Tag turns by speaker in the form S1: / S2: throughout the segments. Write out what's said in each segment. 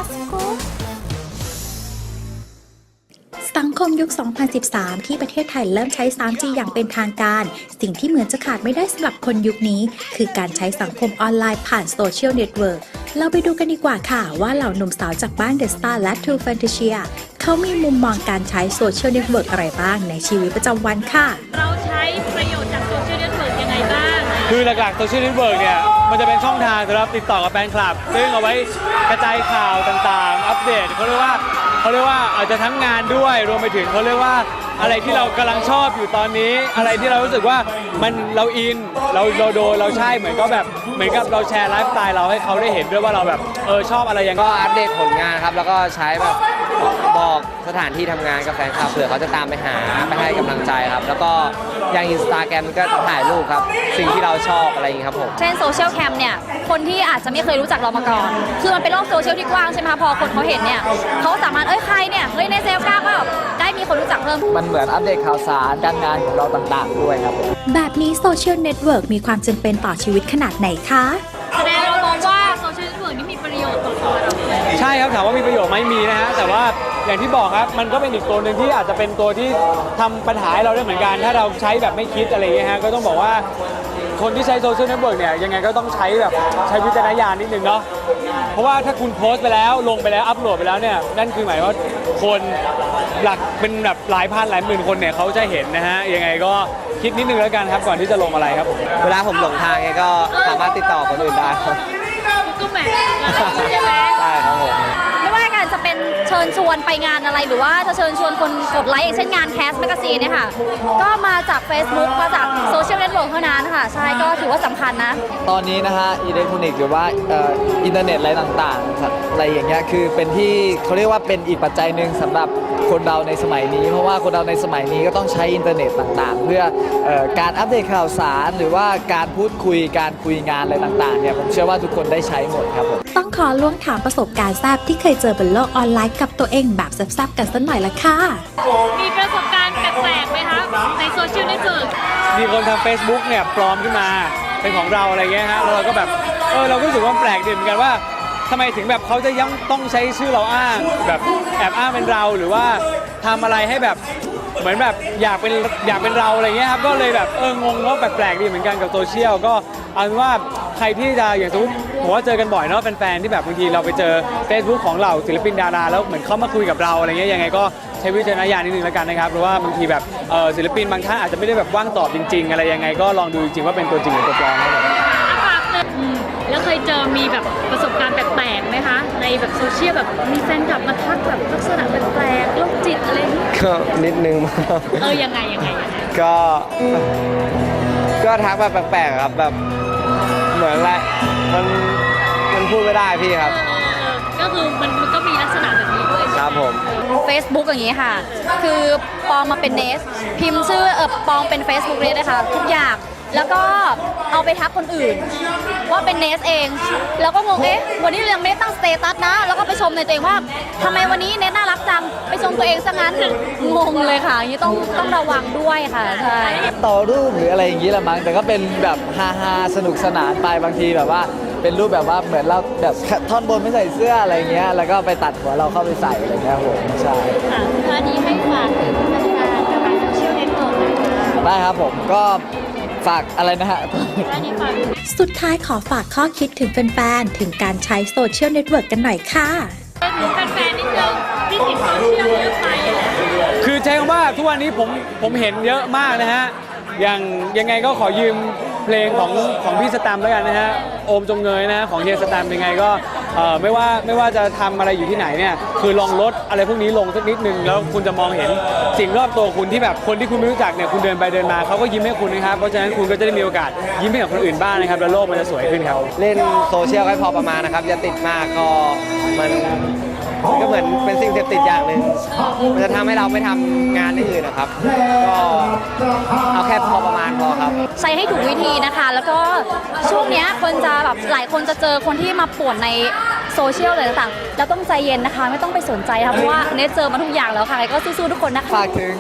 S1: สังคมยุค 2013 ที่ประเทศไทยเริ่มใช้ 3G อย่างเป็นทางการ สิ่งที่เหมือนจะขาดไม่ได้สำหรับคนยุคนี้คือการใช้สังคมออนไลน์ผ่านโซเชียลเน็ตเวิร์กเราไปดูกันดีกว่าค่ะว่าเหล่าหนุ่มสาวจากบ้านเดอะสตาร์และ True Fantasia เขามีมุมมองการใช้โซเชียลเน็ตเวิร์กอะไรบ้างในชีวิตประจำวันค่ะ
S2: เราใช้ประโยชน์จากโซเชียลเน็ตเวิร์กยังไงบ้าง
S3: คือหลักๆโซเชียลเน็ตเวิร์กเนี่ยมันจะเป็นช่องทางสำหรับติดต่อกับแฟนคลับซึ่งเอาไว้กระจายข่าวต่างๆอัปเดตเขาเรียกว่าอาจจะทั้งงานด้วยรวมไปถึงเขาเรียกว่าอะไรที่เรากำลังชอบอยู่ตอนนี้อะไรที่เรารู้สึกว่ามันเราอินเราโดนเราใช่เหมือนกับเราแชร์ไลฟ์สไตล์เราให้เขาได้เห็นด้วยว่าเราแบบชอบอะไรยังไง
S4: ก็อัปเดตผลงานครับแล้วก็ใช้แบบบอกสถานที่ทำงานกับแฟนคลับเผื่อเขาจะตามไปหาไปให้กำลังใจครับแล้วก็อย่าง Instagram ก็ถ่ายรูปครับสิ่งที่เราชอบอะไรอย่างนี้ครับผม
S5: เช่นโซเชียลแคมเนี่ยคนที่อาจจะไม่เคยรู้จักเรามาก่อนคือมันเป็นโลกโซเชียลที่กว้างใช่ไหมคะพอคนเขาเห็นเนี่ยเขาสามารถใครเนี่ยในเซลก้าก็ได้มีคนรู้จักเพิ่ม
S4: มันเหมือนอัปเดตข่าวสารการงานของเราต่างๆด้วยครับผม
S1: แบบนี้โซเชียลเน็ตเวิร์กมีความจำเป็นต่อชีวิตขนาดไหนคะ
S2: แสดงเรามองว่าโซเชียลเน็ตเวิร์กนี่มีประโยชน์ต่อตัวเรา
S3: ใช่ครับถามว่ามีประโยชน์ไหมมีนะฮะแต่ว่าอย่างที่บอกครับมันก็เป็นอีกตัวหนึ่งที่อาจจะเป็นตัวที่ทำปัญหาให้เราได้เหมือนกันถ้าเราใช้แบบไม่คิดอะไรอย่างเงี้ยฮะก็ต้องบอกว่าคนที่ใช้โซเชียลเน็ตเวิร์กเนี่ยยังไงก็ต้องใช้วิจารณญาณนิดนึงเนาะเพราะว่าถ้าคุณโพสต์ไปแล้วลงไปแล้วอัปโหลดไปแล้วเนี่ยนั่นคือหมายว่าคนหลักเป็นแบบหลายพันหลายหมื่นคนเนี่ยเขาจะเห็นนะฮะยังไงก็คิดนิดนึงแล้วกันครับก่อนที่จะลงอะไรครับผม
S4: เวลาผมหลงทางไงก็สามารถติดต่อคนอื่นได้ครับ
S2: ก็แหมใช่ไหม
S4: ใช่ครับผม
S5: ไม่ว่าการจะเป็นเชิญชวนไปงานอะไรหรือว่าจะเชิญชวนคนกดไลค์อย่างเช่นงานแคสแมกกาซีนเนี่ยค่ะก็มาจาก Facebook มาจากโซเชียลเน็ตเวิร์กเท่านั้นค่ะใช่ก็ถือว่าสำคัญนะ
S4: ตอนนี้นะฮะอิเล็กทรอนิกส์หรือว่าอินเทอร์เน็ตอะไรต่างๆอะไรอย่างเงี้ยคือเป็นที่เขาเรียกว่าเป็นอีกปัจจัยหนึ่งสำหรับคนเราในสมัยนี้เพราะว่าคนเราในสมัยนี้ก็ต้องใช้อินเทอร์เน็ตต่างๆเพื่อการอัปเดตข่าวสารหรือว่าการพูดคุยการคุยงานอะไรต่างๆเนี่ยผมเชื่อว่าทุกคนได้ใช้หมดครับผม
S1: ต้องขอล่วงถามประสบการณ์แซ่บที่เคยเจอบนโลกออนไลน์กับตัวเองแบบแซ่บๆกันสักหน่อยละค่ะ
S2: มีประสบการณ์แปลกๆไหมคะในโซเชียลเน็ตเวิร์ก
S3: มีคนทำ Facebook เนี่ยปลอมขึ้นมาเป็นของเราอะไรเงี้ยฮะแล้วเราก็แบบเราก็รู้สึกว่าแปลกดีเหมือนกันว่าทำไมถึงแบบเขาจะยังต้องใช้ชื่อเราอ้างแบบแอบอ้างเป็นเราหรือว่าทำอะไรให้แบบเหมือนแบบอยากเป็นเราอะไรเงี้ยครับก็เลยแบบงงว่าแปลกๆดีเหมือนกันกับโซเชียลก็เอาเป็นว่าใครที่จะอย่างสมมติผมว่าเจอกันบ่อยเนาะแฟนๆที่แบบบางทีเราไปเจอ Facebook ของเราศิลปินดาราแล้วเหมือนเขามาคุยกับเราอะไรเงี้ยยังไงก็ใช้วิจารณญาณนิดนึงแล้วกันนะครับเพราะว่าบางทีแบบศิลปินบางท่านอาจจะไม่ได้แบบว่างตอบจริงๆอะไรยังไงก็ลองดูจริงๆว่าเป็นตัวจริงหรือตัวปลอมครับ
S2: แล้วเคยเจอมีแบบประสบการณ์แปลกๆไหมคะในแบบโซเชียลแบบมีแฟนคลับมาทักแบบลักษณะแปลกๆโรคจิตอะไร
S4: ก็นิดนึง
S2: ยังไง
S4: ก็ทักแบบแปลกๆครับแบบเหมือนอะไรมันพูดไม่ได้พี่ครับ
S2: ก็คือมันก็มีลักษณะแบบนี้ด้วย
S4: ครับผม
S5: Facebook อย่างนี้ค่ะคือปลอมมาเป็นเนสพิมพ์ชื่อปลอมเป็น Facebook เลยนะคะทุกอย่างแล้วก็เอาไปทักคนอื่นว่าเป็นเนสเองแล้วก็งงวันนี้เรายังไม่ได้ตั้งสเตตัสนะแล้วก็ไปชมในตัวเองว่าทำไมวันนี้เนสน่ารักจังไปชมตัวเองซะงั้นงงเลยค่ะอย่างนี้ต้องระวังด้วยค่ะใช่
S4: ต่อรูปหรืออะไรอย่างนี้ละมั้งแต่ก็เป็นแบบฮาสนุกสนานไปบางทีแบบว่าเป็นรูปแบบว่าเหมือนเราแบบท่อนบนไม่ใส่เสื้ออะไรเงี้ยแล้วก็ไปตัดหัวเราเข้าไปใส่อะไรเงี้ยผมใช่
S2: วันนี้ให้ฝากถึงแฟนๆกับโซเชียลเน็ตเวิร์ก
S4: ได้ครับผมก็ฝากอะไรนะฮะ
S1: สุดท้ายขอฝากข้อคิดถึงแฟนๆถึงการใช้โซเชียลเน็ตเวิร์กกันหน่อยค่ะ
S2: ถึงแฟนๆนิดนึงที่ติดโซเชียลเยอะไป
S3: คือใช้คำว่าทุกวันนี้ผมเห็นเยอะมากนะฮะยังไงก็ขอยืมเพลงของพี่สแตมป์แล้วกันนะฮะโอมจงเงยนะของเฮียสแตมป์ยังไงก็ไม่ว่าจะทำอะไรอยู่ที่ไหนเนี่ยคือลองลดอะไรพวกนี้ลงสักนิดนึงแล้วคุณจะมองเห็นสิ่งรอบตัวคุณที่แบบคนที่คุณไม่รู้จักเนี่ยคุณเดินไปเดินมาเขาก็ยิ้มให้คุณนะครับเพราะฉะนั้นคุณก็จะได้มีโอกาสยิ้มให้กับคนอื่นบ้างนะครับแล้วโลกมันจะสวยขึ้นครับ
S4: เล่นโซเชียลให้พอประมาณนะครับอย่าติดมากก็มันก็เหมือนเป็นสิ่งเสพติดอย่างหนึ่งมันจะทำให้เราไม่ทำงานอื่นนะครับก็เอาแค่พอประมาณพอครับ
S5: ใช้ให้ถูกวิธีนะคะแล้วก็ช่วงนี้คนจะแบบหลายคนจะเจอคนที่มาป่วนในโซเชียลอะไรต่างๆแล้วต้องใจเย็นนะคะไม่ต้องไปสนใจค่ะเพราะว่าเนทเจอมาทุกอย่างแล้วค่ะก็สู้ๆทุกคนนะคะ
S4: ฝากถึงแ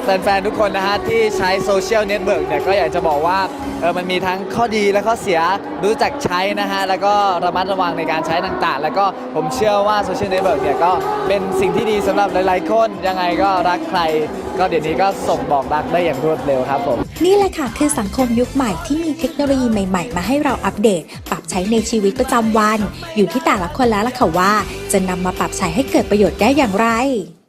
S4: แฟนๆทุกคนนะฮะที่ใช้โซเชียลเน็ตเวิร์กเนี่ยก็อยากจะบอกว่ามันมีทั้งข้อดีและข้อเสียรู้จักใช้นะฮะแล้วก็ระมัดระวังในการใช้ต่างๆแล้วก็ผมเชื่อว่าโซเชียลเน็ตเวิร์กเนี่ยก็เป็นสิ่งที่ดีสำหรับหลายๆคนยังไงก็รักใครก็เดี๋ยวนี้ก็ส่งบอกรักได้อย่างรวดเร็วครับผม
S1: นี่แหละค่ะคือสังคมยุคใหม่ที่มีเทคโนโลยีใหม่ๆ มาให้เราอัปเดต ปรับใช้ในชีวิตประจำวัน อยู่ที่แต่ละคนแล้วล่ะค่ะว่า จะนำมาปรับใช้ให้เกิดประโยชน์ได้อย่างไร